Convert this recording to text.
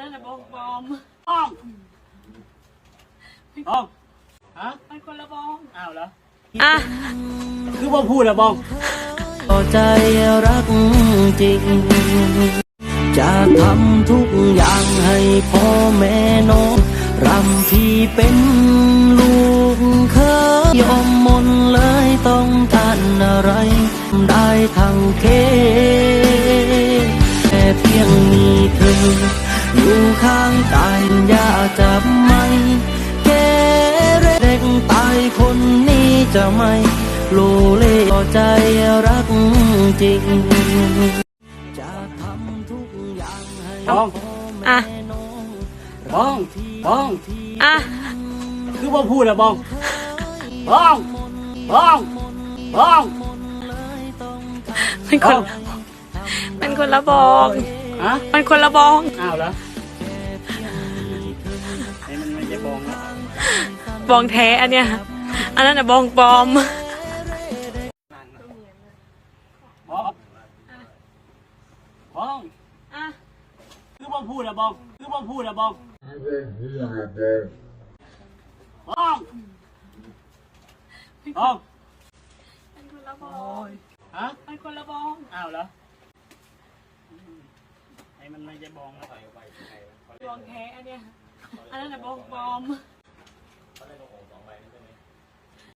นั้นน่ะบองปลอมบ้องบ้องฮะมันคนละบองอ้าวเหรออ่ะคือว่าพูดอะบ้องใจรักจริงจะทำทุกอย่างให้พ่อแม่น้องรำพี่เป็นลูกเคยยอมมนเลยต้องทานอะไรได้ทั้งเคแค่เพียงมีเธออยู่ข้างกายอย่าจับไม่แกเร่งตายคนนี้จะไม่โลเลใจรักจริงจะทำทุกอย่างให้พ่อแม่น้องบ้องบ้องอ่ะคือว่าพูดอะบ้องบ้องบ้องบ้องมันคนละบองฮะมันคนละบองอ้าวเหรอไอ้มันไม่ใช่บ้องนะบองแท้อันเนี้ยอันนั้นน่ะบองปลอมบ้องบ้องอ่ะคือว่าพูดอะบ้องคือว่าพูดอะบ้องบ้องบ้องมันคนละบองฮะมันคนละบองอ้าวเหรอไอ้มันไม่ใช่บ้องนะบองแท้อันเนี้ยอันนั้นน่ะบองปลอม